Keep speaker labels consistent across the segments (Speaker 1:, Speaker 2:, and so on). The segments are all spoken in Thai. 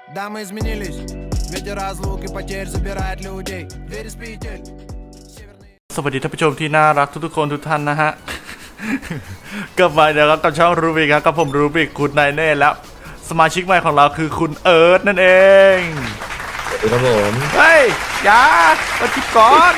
Speaker 1: Дамы изменились, ветер разлук и потерь забирает людей. Двери с петель.
Speaker 2: สวัสดีท่านผู้ชมที่น่ารักทุกๆคนทุกท่านนะฮะ กลับมาแล้วครับกับช่องรูบิกครับกับผมรูบิกคุณนายเน่แล้วสมาชิกใหม่ของเราคือคุณเอิร์ธนั่นเอง
Speaker 3: สวัสดีครับผม
Speaker 2: เฮ้ยอย่ามาจิบก่อน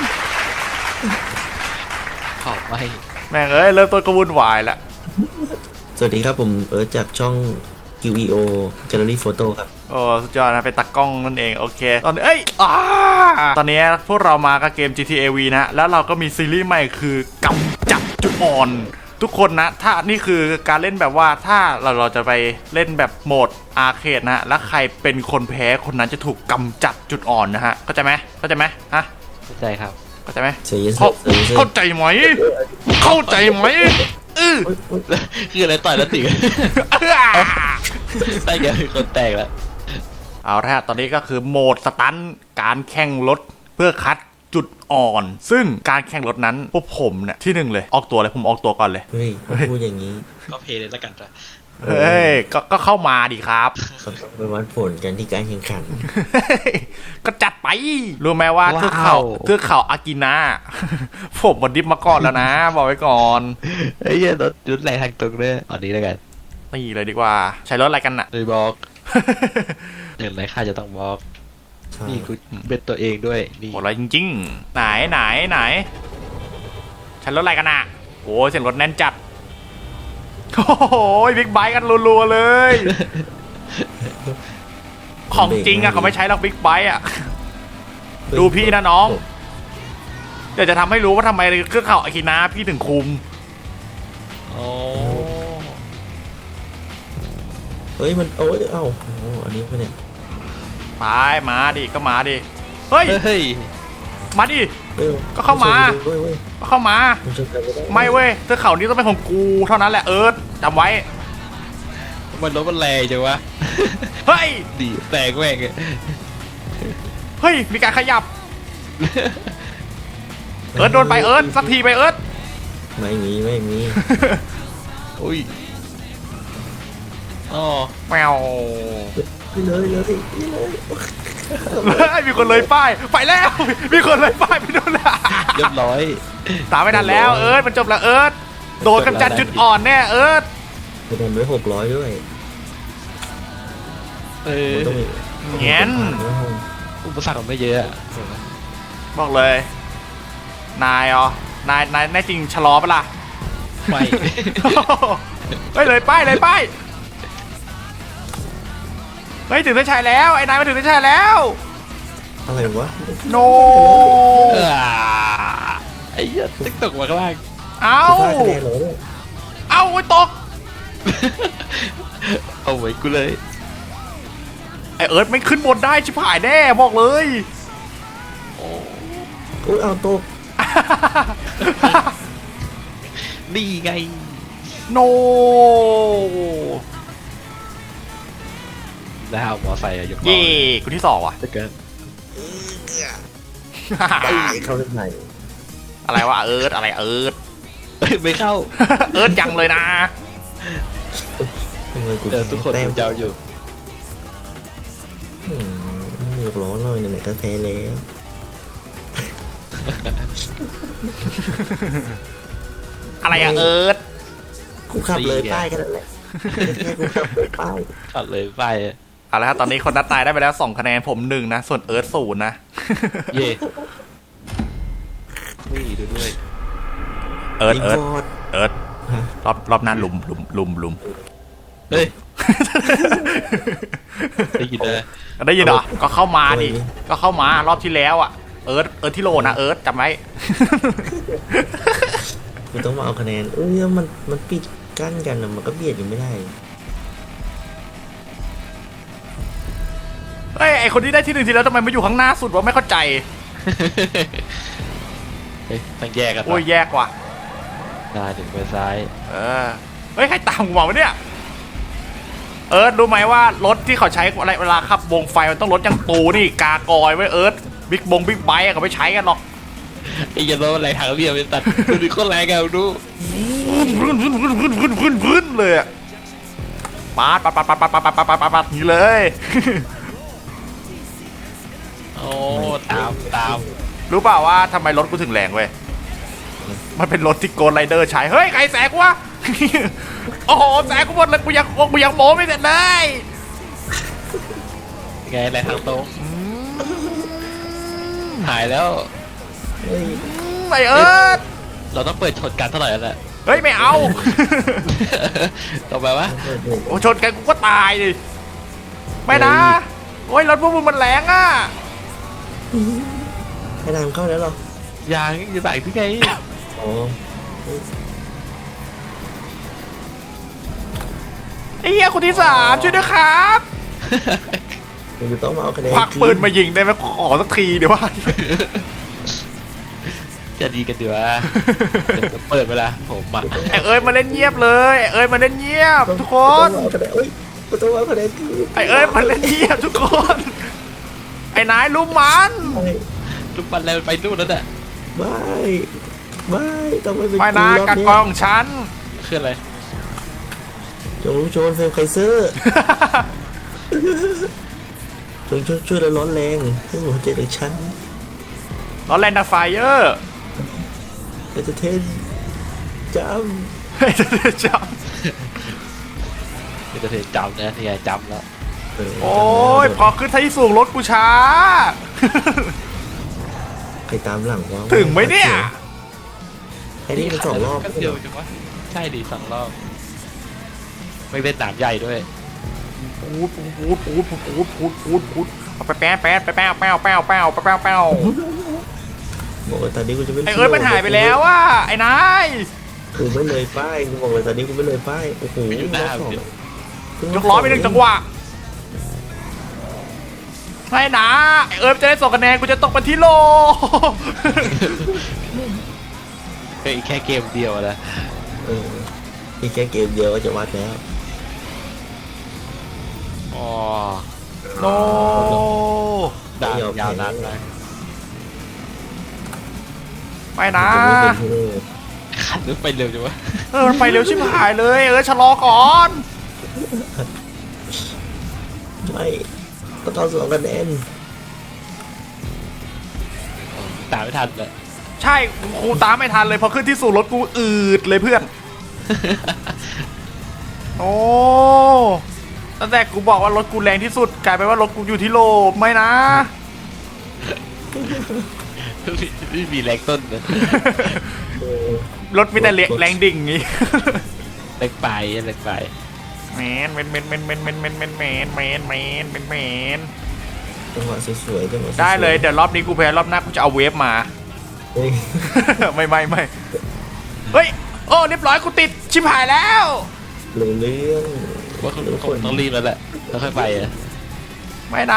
Speaker 4: ขอบไม่
Speaker 2: แม่งเอ้ยเริ่มต้นก็วุ่นวายแล้ว
Speaker 3: สวัสดีครับผมเอิร์ธจากช่อง QEO Gallery Photo ครับ
Speaker 2: โอ้สุดยอดนะเป็นตากล้องนั่นเองโอเคตอนนี้ตอนนี้พวกเรามากับเกม GTA V นะแล้วเราก็มีซีรีส์ใหม่คือกำจัดจุดอ่อนทุกคนนะถ้านี่คือการเล่นแบบว่าถ้าเราจะไปเล่นแบบโหมดอาร์เคดนะแล้วใครเป็นคนแพ้คนนั้นจะถูกกำจัดจุดอ่อนนะฮะเข้าใจไหมฮะ
Speaker 4: เข้าใจครับ
Speaker 2: เข้าใจไหม
Speaker 3: เสียเย
Speaker 2: เข้าใจไหมเข้าใจไหม
Speaker 4: คืออะไรต่อยแล้วติใช่แกเป็นคนแตกแล้ว
Speaker 2: เอาละตอนนี้ก็คือโหมดสตันการแข่งรถเพื่อคัดจุดอ่อน ซึ่งการแข่งรถนั้นพวกผมเนี่ยที่หนึ่งเลยออกตัวเลยผมออกตัวก่อนเลย
Speaker 3: เฮ้ยพูดอย่างนี้
Speaker 4: ก็เพลย์เลยแล้วกันจ้ะ
Speaker 2: เฮ้ยก็เข้ามาดิครับ
Speaker 3: เขาต้องไปวัดผลกันที่การแข่งขัน
Speaker 2: ก็จัดไปรู้ไหมว่าเทือกเขาอากินาผมมาดิฟมาก่อนแล้วนะบอกไว้ก่อน
Speaker 4: ไอ้เหี้ยรถแรงทางตรงเลยอันนี้แล้วกัน
Speaker 2: นี่เลยดีกว่าใช้รถอะไรกันน่ะ
Speaker 4: เลยบอกอย่างไรข้าจะต้องบอกนี่กูเป็นตัวเองด้วยนี่
Speaker 2: โหอะไรจริงๆไหนใช้รถอะไรกันน่ะโอ้เสียงรถแน่นจัดโอ้โหบิ๊กไบค์กันรัวๆเลย ของจริงอะเขาไม่ใช้หรอกบิ๊กไบค์อะดูพี่นะน้องเดี๋ยวจะทำให้รู้ว่าทำไมเครื่องเข่าอากินาพี่ถึงคุม
Speaker 4: โอ้
Speaker 3: เฮ้ยมันโอ้ยเอ้าอันนี้ไม่เนี่ย
Speaker 2: ไปมาดิก็มาดิเฮ้ย
Speaker 4: เฮ้ย
Speaker 2: มาดิ ก็เข้ามา ก็เข้ามาไม่เว้ยเครื่องเข่านี้ต้องเป็นของกูเท่านั้นแหละเอิร์ธจำไว้
Speaker 4: มันรถมันแรงจังวะ
Speaker 2: เฮ้ย
Speaker 4: ดีแตกแม่ง
Speaker 2: เฮ้ยมีการขยับเอิร์ธโดนไปเอิร์ธสักทีไปเอิร์ธ
Speaker 3: ไม่มี
Speaker 4: อุ้ยอ๋อ
Speaker 2: แมว
Speaker 3: เลย
Speaker 2: มีคนเลยป้ายไปแล้วมีคนเลยป้ายไปโดนละ
Speaker 4: เรียบร้อย
Speaker 2: ตามไม่ทันแล้วเอิร์ธมันจบแล้วเอิร์ธโดนกำจัดจุดอ่อนแน่เอิร์ธ
Speaker 3: คะแนนไว้600ด้วย ต้องมี
Speaker 2: เงี้ย
Speaker 4: อุปสรรคมันไม่เยอะอะ
Speaker 2: บอกเลยนายนายแน่จริงชะลอปะล่ะ
Speaker 4: ไม่
Speaker 2: เฮ้ยเลยป้ายเฮ้ยถึงเส้นชัยแล้วไอ้นายมาถึงเส้นชัยแล้ว
Speaker 3: อะไรวะ
Speaker 2: โน
Speaker 4: ไอ้เหี้ยติ๊กตกมาข้างล่าง
Speaker 2: เอ้า
Speaker 3: คะแนนเหรอเนี่ย
Speaker 2: เอ้าไอ้ตก
Speaker 4: เอาไว้กูเลย
Speaker 2: ไอ้เอิร์ธไม่ขึ้นบนได้ชิบหายแน่บอกเลย
Speaker 3: โอ้ยเอาตก
Speaker 4: นี่ไง
Speaker 2: โน
Speaker 4: แล้วเอามอไซค์อะยกล้อ
Speaker 2: เย่กูที่สองว่ะ
Speaker 4: จะเกิน
Speaker 3: เข้าเส้นไหน
Speaker 2: อะไรวะเอิร์ธอะไรเอิร์ธ
Speaker 4: ไม่เข้า
Speaker 2: เอิร์ธยังเลยนะ
Speaker 3: ทำไมกู
Speaker 4: เจอทุกคน
Speaker 3: แต้ม
Speaker 4: เจ้าอยู่
Speaker 3: อยากร้อนเลยไหนๆก็แพ้แล้ว
Speaker 2: อะไรอะเอิร์ธ
Speaker 3: กูขับเลยป้ายกันแหละแค่กูขับเลยป้าย
Speaker 4: ขัดเลยไป
Speaker 2: เอาละครับตอนนี้คนนัดตายได้ไปแล้ว2คะแนนผม1นะส่วนเอิร์ธ0นะ
Speaker 4: เย่นี่ดูด้วย
Speaker 2: เอิร์ธ
Speaker 3: บอด
Speaker 2: รอบหน้าลุม
Speaker 4: เฮ้ยได้ยินเลย
Speaker 2: ได้ยินเหรอก็เข้ามาดิก็เข้ามารอบที่แล้วอ่ะเอิร์ธที่โลนะเอิร์ธจำไว้
Speaker 3: กูต้องมาเอาคะแนนมันปิดกั้นกันนะมันก็เบียดอยู่ไม่ได้
Speaker 2: เฮ้ยไอคนที่ได้ที่1ทีแล้วทำไมมาอยู่ข้างหน้าสุดวะไม่เข้าใจ
Speaker 4: เฮ้ยต้องแยกกัน
Speaker 2: โอ้ยแยกว่ะ
Speaker 4: หน้าถึงไปซ้าย
Speaker 2: เฮ้ยใครตามกูมาวะเนี่ยเอิร์ธรู้ไหมว่ารถที่เขาใช้อะไรเวลาขับวงไฟมันต้องรถอย่างตูนี่กากอยไว้เอิร์ธบิ๊กไบค์เขาไม่ใช้กันหรอก
Speaker 4: ไอ้ยันรถอะไรทางเรียบไปตัดดูดิโคตรแรงกันดู
Speaker 2: พื้นเลยอะปาดนี่เลย
Speaker 4: โอ้ตาม
Speaker 2: รู้เปล่าว่าทำไมรถกูถึงแรงเว้ยมันเป็นรถที่โกนไรเดอร์ใช้เฮ้ยใครแสกวะ โอ้โหแสกกูหมดเลยกูยังโม้ไม่เสร็จเลย
Speaker 4: ไงอะไรทางตรงหายแล้ว
Speaker 3: เฮ้ย
Speaker 2: ไอเอิร์ธ
Speaker 4: เราต้องเปิดชนกันเท่าไหร่แล้วแหละ
Speaker 2: เฮ้ยไม่เอา
Speaker 4: ต่อไปวะ
Speaker 2: โอ้ชนกันกูก็ตายดิไม่นะโอ้ยรถพวกมึงมันแรงอ่ะ
Speaker 3: ให้นำเข้าแล้วเหรอ
Speaker 4: ยังจะใส่ที่ไง
Speaker 3: อ๋อ
Speaker 2: ไอ้เหี้ยคนที่3ช่วยด้วยครับ
Speaker 3: มึงจะต้องมาเอาคะแนน
Speaker 2: ควักปืนมายิงได้ไหมขอสักทีเดี๋ยวว่า
Speaker 4: จะดีกันดีวะเดี๋ยวเปิดเวลาผมมา
Speaker 2: ไอเอ้ยมาเล่นเงียบเลยไอ้เอ้ยมาเล่นเงียบทุกคน
Speaker 3: ต้องเอาคะแนนเอ้ยกูต้องเอาคะแนนคือ
Speaker 2: ไอเอ้ยมาเล่นเงียบทุกคน ไอ้นายลุมมัน
Speaker 4: ลูกบอลแล้วไปนู่นแล้วน่ะ
Speaker 3: ไม่ไม่ต้องไม่เป็น
Speaker 2: ไม่นะ
Speaker 3: รอบ
Speaker 2: กัก
Speaker 3: นี้
Speaker 2: กองฉัน
Speaker 4: คืออะไร
Speaker 3: จงรู้โจรเฟรมไคเซอร์จงช่วยแล้วร้อนแรงให้หัวใจของฉัน
Speaker 2: ร้อนแรงดับไฟเออร์
Speaker 3: เอเจเทนจ
Speaker 2: เฮ้ยจะจ
Speaker 4: นี่จะเทจำนะนี่ไงจำแล้ว
Speaker 3: ำ
Speaker 2: ำโอ้ยพอขึ้นที่สูงรถกูช้า
Speaker 3: ใครตามหลังวะ
Speaker 2: ถึงไหมเนี่ย
Speaker 3: ไอ้นี่มัน2 รอบ
Speaker 4: ก็เดียวจังวะใช่ดิ2 รอบไม่เป็นหนามใหญ่ด้วย
Speaker 2: พูดเอาไปแป๊ะไปแป๊ะบอก
Speaker 3: บอกเลยตอนนี้กูจะไม่
Speaker 2: ไอเอ้ยมันหายไปแล้วว่ะไอ้นาย
Speaker 3: กูไม่เลยป้ายกูบอกเลยตอนนี้กูไม่เลยป้ายโอ้โห
Speaker 4: อยู่หน้า
Speaker 3: รอบ
Speaker 4: เดี๋ยว
Speaker 2: ยกล้อไป1 จังหวะให้นะไอเอ้ยจะได้2 คะแนนกูจะตกไปที่โล
Speaker 4: เฮ้ยแค่เกมเดียวนะ
Speaker 3: เอออีกแค่เกมเดียวก็จะวัดแล้ว
Speaker 4: อ๋อ
Speaker 2: โน
Speaker 4: ดาวยาวนานมาก
Speaker 2: ไม่นะ
Speaker 3: จะไม่เป็นฮีโร่
Speaker 4: ขันนึกไปเร็วจังวะ
Speaker 2: มันไปเร็วชิบหายเลยชะลอก่อน
Speaker 3: ไม่ต้องเอา2 คะแนน
Speaker 4: ตามไม่ทันเลย
Speaker 2: ใช่กูตามไม่ทันเลยพอขึ้นที่สู่รถกูอืดเลยเพื่อน โอ้ตั้งแต่กูบอกว่ารถกูแรงที่สุดกลายเป็นว่ารถกูอยู่ที่โลไม่นะ
Speaker 4: ไม่มีแรงต้นเลย
Speaker 3: เออ
Speaker 2: รถมีแต่แรงดิ่งงี้
Speaker 4: แรงไปแรงไป
Speaker 2: แมน
Speaker 3: จังหวะสวยๆจังหวะสวๆ
Speaker 2: ได้เลยเดี๋ยวรอบนี้กูแพ้รอบหน้ากูจะเอาเวฟมา
Speaker 3: เฮ้ย
Speaker 2: ไม่เฮ้ยโอ้เรียบร้อยกูติดชิบหายแล้ว
Speaker 3: เรื่อง
Speaker 4: ว่าเขาต้องรีบแล้วแหละแล้วค่อยไปอ่ะ
Speaker 2: ไม่นะ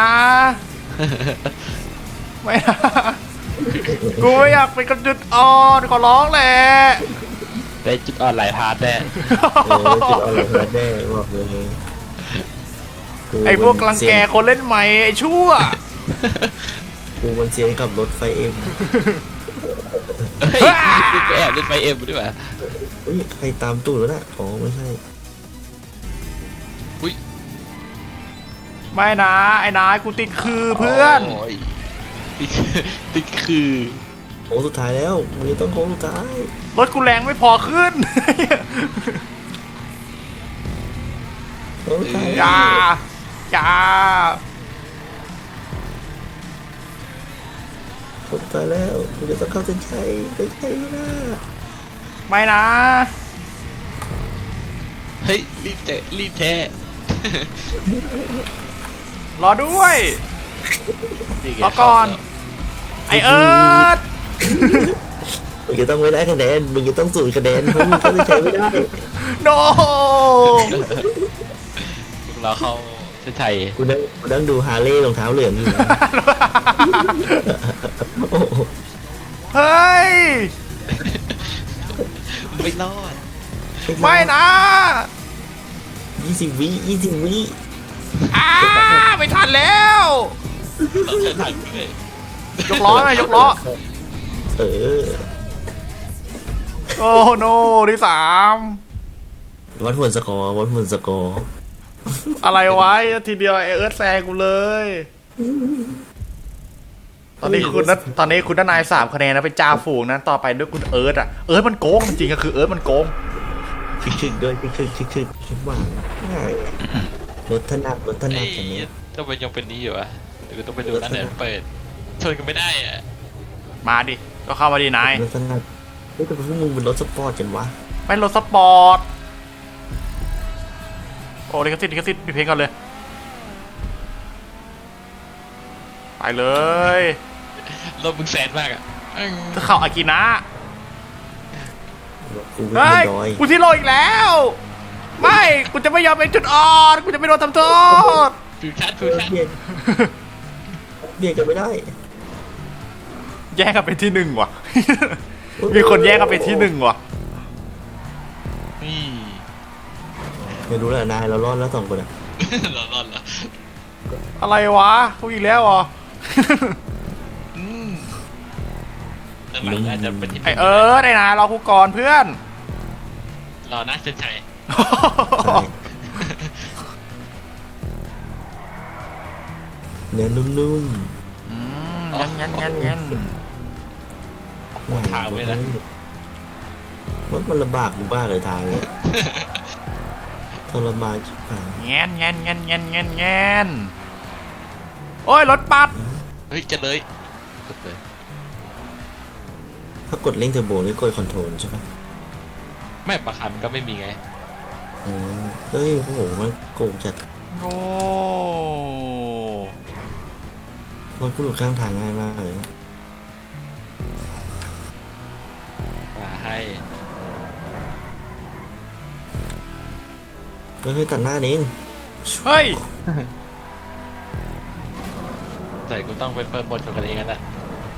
Speaker 2: ไม่นะ กูไม่อยากเป็นกระจุดอ่อนขอร้องแหละ
Speaker 4: ได้จุดอ่อนหลายพาร์ทแน่
Speaker 3: จุดอะไรมาแน่บอกเลย
Speaker 2: ไอ้พวกรังแกคนเล่นใหม่ไอ้ชั่ว
Speaker 3: กูมันเซียนขับรถไฟเอ็ม
Speaker 4: เฮ้ยไปแอบเล่นไฟเอ็มด้วยว่ะ
Speaker 3: เฮ้ยใครตามตูดแล้วน่ะอ๋อไม่ใช่
Speaker 4: อุ้ย
Speaker 2: ไม่นะไอ้นายกูติดคือเพื่อน
Speaker 4: โยติดคือ
Speaker 3: โค้งสุดท้ายแล้วมึงต้องโค้งสุดท้าย
Speaker 2: รถกูแรงไม่พอขึ้น
Speaker 3: โค้งสุดท้าย
Speaker 2: อย่า
Speaker 3: โค้งสุดท้ายแล้วมึงจะต้องเข้าเส้นชัยไม่ใช่นะ
Speaker 2: ไม่นะ
Speaker 4: เฮ้ยรีบแท้
Speaker 2: รอด้วย
Speaker 4: นี่ไง
Speaker 2: รอก่อน ไอเอิร์ธ
Speaker 3: มึงจะต้องไม่ได้คะแนนมึงจะต้อง0 คะแนนเพราะมึงเข้าเส้นชัยไม่ได้
Speaker 2: โน
Speaker 4: เราเข้าเส้นชัย
Speaker 3: กูนั่งดูฮาร์เลย์รองเท้าเหลืองอยู่นะโอ้โห
Speaker 2: เฮ้ย
Speaker 4: ไม่รอด
Speaker 2: ไม่นะ
Speaker 3: 20 วิ
Speaker 2: ไม่ทันแล้ว
Speaker 4: เราเส้นทางเลย
Speaker 2: ยกล้อหน่อยยกล้อ
Speaker 3: เออ
Speaker 2: โอ้โนที่3
Speaker 3: วัดผลสกอร์วัดผลสกอร์
Speaker 2: อะไรไว้ทีเดียวไอเอิร์ธแซงกูเลยตอนนี้คุณนาย3 คะแนนนะเป็นจ่าฝูงนะต่อไปด้วยคุณเอิร์ธอ่ะเอิร์ธมันโกงจริงๆก็คือเอิร์ธมันโกง
Speaker 3: ชึกๆด้วยชึกคิดว่าง่ายรถถนัดคันนี้
Speaker 4: ต้องไปยังเป็นนี้อยู่อะหรือต้องไปดูนั่นไหนเปิดชนกันไม่ได้อะ
Speaker 2: มาดิก็เข้ามาดินาย
Speaker 3: รถถนัดเฮ้ยแต่พวกมึงเป็นรถสปอร์ตกันวะ
Speaker 2: เป็นรถสปอร์ตโอ้ลิขสิทธิ์ปิดเพลงก่อนเลยไปเลย
Speaker 4: รถมึงแสนมากอะ
Speaker 2: จะเข้าอากินะ
Speaker 3: กูเป็น
Speaker 2: เฮ้ย
Speaker 3: ดอย
Speaker 2: กูที่โลอีกแล้ว ไม่กูจะไม่ยอมเป็นจุดอ่อน กูจะไม่โดนทำโทษ
Speaker 4: ฟิวชั่น
Speaker 3: เบียดกันไม่ได้
Speaker 2: แย่งกันเป็นที่ 1ว่ะ มีคนแย่งกันเป็นที่ 1ว่ะ
Speaker 4: นี่
Speaker 3: ไม่รู้แหละนายเรารอดแล้ว2 คนอะ
Speaker 4: รอดแล้ว
Speaker 2: อะไรวะพูดอีกแล้วเหรอ
Speaker 4: แต่หลังอาจจะเป็นที่
Speaker 2: ไอได้นะรอกูก่อนเพื่อน
Speaker 4: รอนะเซนชัย
Speaker 3: ใช่เนื้อนุ่ม
Speaker 2: งั้น
Speaker 3: ๆ
Speaker 4: ทางไว้นะ
Speaker 3: รถมันลำบากกูบ้าเลยทางเนี่ยทรมานชิบหาย
Speaker 2: แงนโอ้ยรถปัด
Speaker 4: เฮ้ยจะเลยกดเลย
Speaker 3: ถ้ากดเร่งเทอร์โบนี่กดคอนโทรลใช่ปะ
Speaker 4: ไม่ประคันก็ไม่มีไง
Speaker 3: เฮ้ยโอ้โหมันโกงจัด
Speaker 2: โอ้
Speaker 3: รถกูหลุดข้างทางง่ายมากเลย
Speaker 4: มาให้
Speaker 3: เฮ้ยตัดหน้าเอง
Speaker 2: เฮ้ย
Speaker 4: ใส่กูต้องไปเปิดบทชนกันเองนั่นแหละ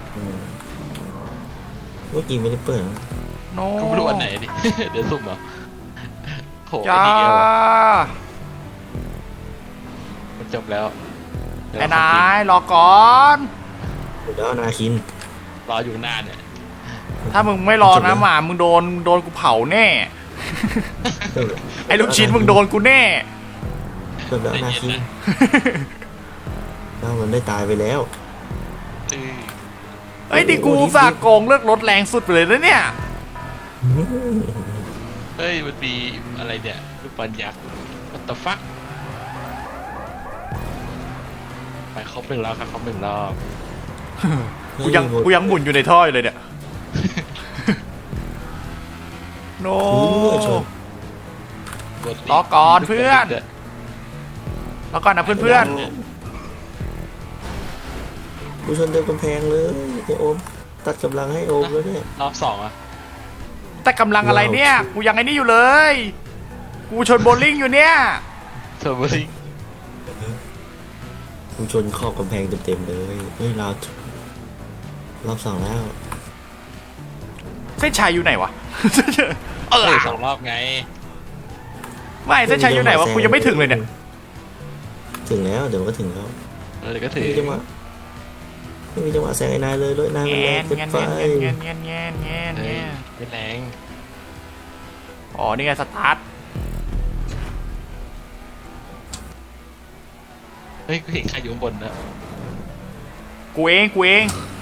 Speaker 3: เมื่อกี้ไม่ได้เปิดนะ
Speaker 2: โน
Speaker 4: กูไม่รู้อันไหนดิ เดี๋ยวสุ่มเหรอโห
Speaker 2: จ้า
Speaker 4: ไอ้เดียวมันจบแล้ว
Speaker 2: ไอ้นายรอก่อน
Speaker 3: เดี๋ยวเอานาคิน
Speaker 4: รออยู่นานเนี่ย
Speaker 2: ถ้ามึงไม่รอนะหมามึงโดนกูเผาแน่ ไอ้ลูกชิ้นมึงโดนกูแน่
Speaker 3: เดี๋ยวเอานาคินแล้วมันได้ตายไปแล้ว
Speaker 4: เออ
Speaker 2: เฮ้ยดิกูอุตสาห์โกงเลือกรถแรงสุดไปเลยนะเนี่ย
Speaker 4: เฮ้ยมันมีอะไรเนี่ยลูกบอลยักษ์ what the fuck ไปครบ1 รอบครับครบ1 รอบ
Speaker 2: กูยังหมุนอยู่ในท่ออยู่เลยเนี่ย โน รอก่อนเพื่อน แล้วก่อนนะเพื่อน
Speaker 3: กูชนเต็มกำแพงเลยไอโอมตัดกำลังให้โอมแล้วเนี่ย
Speaker 4: รอบ2อ่ะ
Speaker 2: ๆแต่กำลังอะไรเนี่ย กูยังไอ้นี่อยู่เลย กูชนโบลิ่งอยู่เนี่ย
Speaker 4: เทอร์โบลิง
Speaker 3: กูชนขอบกำแพงเต็มๆเลยเฮ้ยรอบ 2แล้ว
Speaker 2: เส้นชัยอยู่ไหนวะ
Speaker 4: เออ2 รอบไง
Speaker 2: ไม่เส้นชัยอยู่ไหนวะ กูยังไม่ถึงเลยเนี่ย
Speaker 3: ถึงแล้วเดี๋ยวก็ถึงแล้ว
Speaker 4: เดี๋ยวก็ถือ
Speaker 3: ไม่มีจังหวะแซงไอ้นายเลยรถนายมันแรงเกินไป
Speaker 2: เงี้ย
Speaker 4: เฮ้ยไม่แรง
Speaker 2: อ๋อ นี่ไงสตาร์ท
Speaker 4: เฮ้ยกูเห็นใครอยู่ข้างบนนะ
Speaker 2: กูเอง
Speaker 4: กูเอง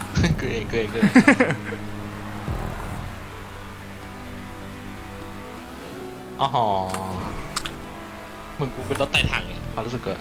Speaker 4: อ๋อมึงกูเป็นรถไต่ถังไงความรู้สึกก็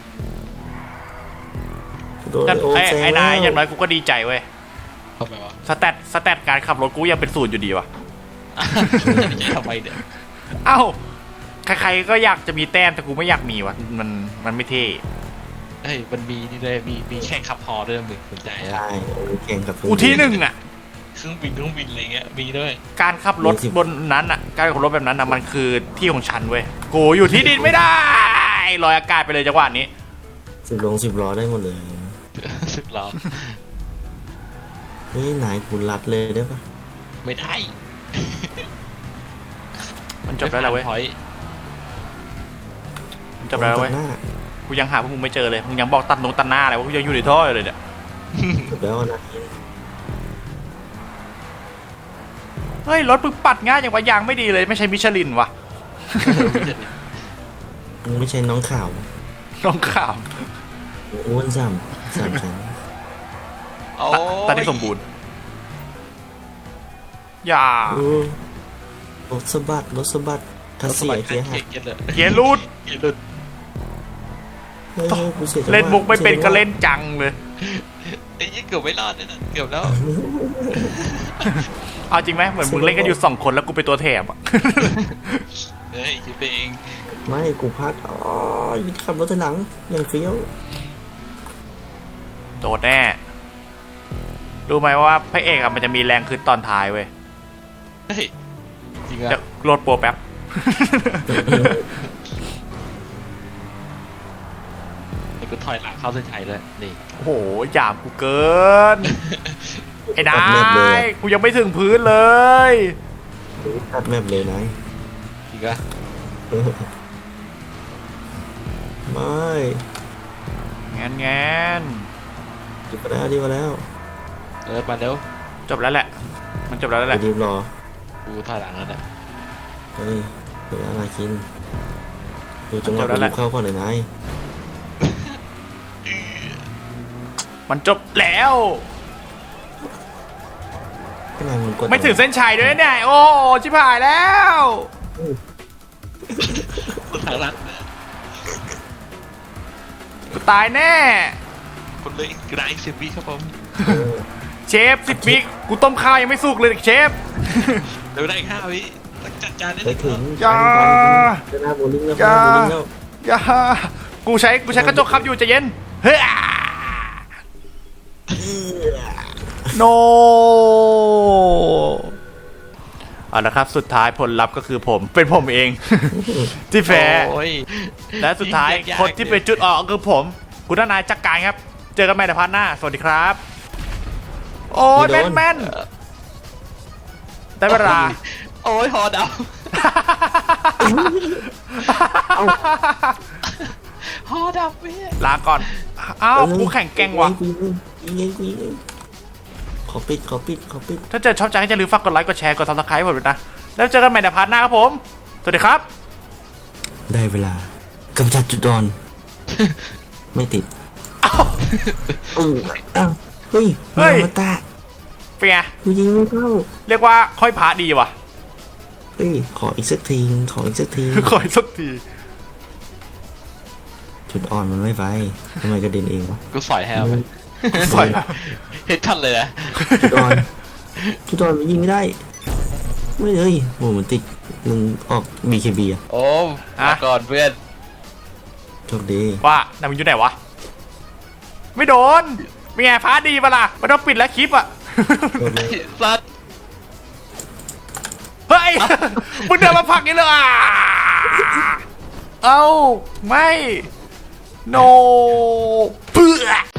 Speaker 3: โดนโอมแซง
Speaker 2: ไอ้
Speaker 3: แล้
Speaker 2: นายว อย่างน้อยกูก็ดีใจเว้ย
Speaker 4: เข้าไปวะ
Speaker 2: สแตทการขับรถกูยังเป็น0อยู่ดีวะ
Speaker 4: จะไม่ใช่ทำไมเนี่ย
Speaker 2: เอ้า ใครๆก็อยากจะมีแต้มแต่กูไม่อยากมีวะมันไม่เท่
Speaker 4: เฮ้ยมันมีนี่ด้วยมีแข่งขับฮอด้วยมึงสนใจอ่ะ
Speaker 3: ใช่แข่งกับ
Speaker 2: กูที่1อ่ะ
Speaker 4: เครื่องบินอะไรเงี้ยมีด้วย
Speaker 2: การขับรถบนนั้นอ่ะ การขับรถแบบนั้นอ่ะมันคือที่ของฉันเว้ย กูอยู่ที่ดินไม่ได้ลอยอากาศไปเลยจังหวะนี้
Speaker 3: 10 ล้อได้หมดเลย
Speaker 4: 10 ล้อ
Speaker 3: เฮ้ยนายกูรัดเลยได้ปะ
Speaker 4: ไม่ได้
Speaker 2: มันจบแล้วเหรอเว้ย
Speaker 4: พอย
Speaker 2: มันจบแล้วเว้ย
Speaker 3: ตัดหน้า
Speaker 2: กูยังหาพวกมึงไม่เจอเลย มึงยังบอกตัดหน้าอะไรวะกูยังอยู่ในท่ออยู่เลยเนี่ย
Speaker 3: จบแล้วนะ
Speaker 2: เฮ้ยรถมึงปัดง่ายอย่างว่ายางไม่ดีเลยไม่ใช่มิชลินวะ
Speaker 3: มึงไม่ใช่น้องข่าว
Speaker 2: น้องข่าว
Speaker 3: อ้วนซ้ำชั้น
Speaker 4: โอ้
Speaker 2: ตอนนี้สมบูรณ์อย่า
Speaker 3: โอ้รถสะบัดรถสะบัดถ้าเสียเกียร์หัก
Speaker 4: เกียร์เลย
Speaker 2: เกียร์รูด
Speaker 4: เกียร์หลุด
Speaker 3: เฮ้ยกูสียจังหวะ
Speaker 2: เล่นมุกไม่เป็นก็เล่นจังเลย
Speaker 4: ไอ้ยี่เกือบไม่รอดเนี่ยนะเกือบแล้ว
Speaker 2: เอาจริงไหมเหมือนมึงเล่นกันอยู่2 คนแล้วกูเป็นตัวแถบอะ
Speaker 4: เฮ้ยคิดไปเอง
Speaker 3: ไม่กูพัดอ๋อขับรถถอยหลังอย่างเฟี้ยว
Speaker 2: โดดแน่รู้ไหมว่าพระเอกอะมันจะมีแรงขึ้นตอนท้ายเว้ย
Speaker 4: เฮ้ยจริง
Speaker 2: เดี๋ย
Speaker 4: อะ
Speaker 2: วโหลดโปรแป๊บ
Speaker 4: ไอ้กูถอยหลังเข้าเส้นชัยเลยนี่
Speaker 2: โอ้โหหยามกูเกิน ไอ้นายกูยังไม่ถึงพื้นเลย
Speaker 3: ตัดแมปเลยนาย
Speaker 4: จริงอะ
Speaker 3: ไม่
Speaker 2: แงน
Speaker 3: ดีมาแล้วดีมาแล้ว
Speaker 4: มาเร็ว
Speaker 2: จบแล้วแหละ มันจบแล้วแหละ
Speaker 3: ดีรอ
Speaker 4: กูถอยหลังแล้วเนี่ย
Speaker 3: เฮ้ยเดี๋ยวอะไรกินดูจังหวะกูเข้าก่อนเลยนาย
Speaker 2: มันจบแล้ว
Speaker 3: ข้างในมันกด
Speaker 2: ไม่ถึงเส้นชัยด้วยเนี่ยโอ้ชิบหายแล้ว
Speaker 4: กูถอยหลัง
Speaker 2: กูตายแน่
Speaker 4: คนเลยกระไรเซฟีครับผม
Speaker 2: เชฟ10 วิกูต้มข้าวยังไม่สุกเลยเชฟ
Speaker 4: เดี๋ยวได้5 วิต้องจัดจานได้
Speaker 3: ไปถึง
Speaker 2: อย่า
Speaker 3: จะหน้าโบลิ่งแล้ว
Speaker 2: อย่า
Speaker 3: หน้าโบลิ่งแล้ว
Speaker 2: อย่ากูใช้กระจกขับอยู่ใจเย็นเฮ้ยโนเอาละครับสุดท้ายผลลัพธ์ก็คือเป็นผมเอง ที่แพ้
Speaker 4: โอ้ย
Speaker 2: และสุดท้าย
Speaker 4: ยากๆ
Speaker 2: คนที่เป็นจุดออกก็คือผมคุณทนายจักรการครับ เจอกันใหม่ในพาร์ทหน้า สวัสดีครับ โอ้ยแม่นได้เวลา
Speaker 4: โอ้ยหอดำหอดำเว้ย
Speaker 2: ลาก่อน อ้าวกูแข่งแกร่งว่ะ
Speaker 3: ยิงขอปิด
Speaker 2: ถ้าเจอชอบใจก็อย่าลืมฝากกดไลค์กดแชร์กด subscribe ผมด้วยนะ แล้วเจอกันใหม่ในพาร์ทหน้าครับผม สวัสดีครับ
Speaker 3: ได้เวลากำจัดจุดอ่อน ไม่ติดอ้าวเฮ้ยมาตา
Speaker 2: เป็นไง
Speaker 3: กูยิงไม่เข้า
Speaker 2: เรียกว่าค่อยพาดีว่ะ
Speaker 3: เฮ้ยขออีกสักที
Speaker 2: ขออีกสักที
Speaker 3: จุดอ่อนมันไม่ไปทำไมกระเด็นเองวะ
Speaker 4: กูสอยแฮวไป
Speaker 2: สวย
Speaker 4: เฮ็ดทันเลยนะ
Speaker 3: จุดอ่อนมันยิงไม่ได้ไม่เลยโหมันติดมึงออก BKB อ่ะ
Speaker 4: โอ้มาก่อนเพื่อน
Speaker 3: โชคดี
Speaker 2: ว่านายมึงอยู่ไหนวะ ไม่โดนเป็นไงพาดีปะล่ะไม่ต้องปิดแล้วคลิปอ่ะ
Speaker 4: สัตว์
Speaker 2: เฮ้ย มึงเดินมาผลักนี่เลยอ่ะเอ้า ไม่ โนเพื่อ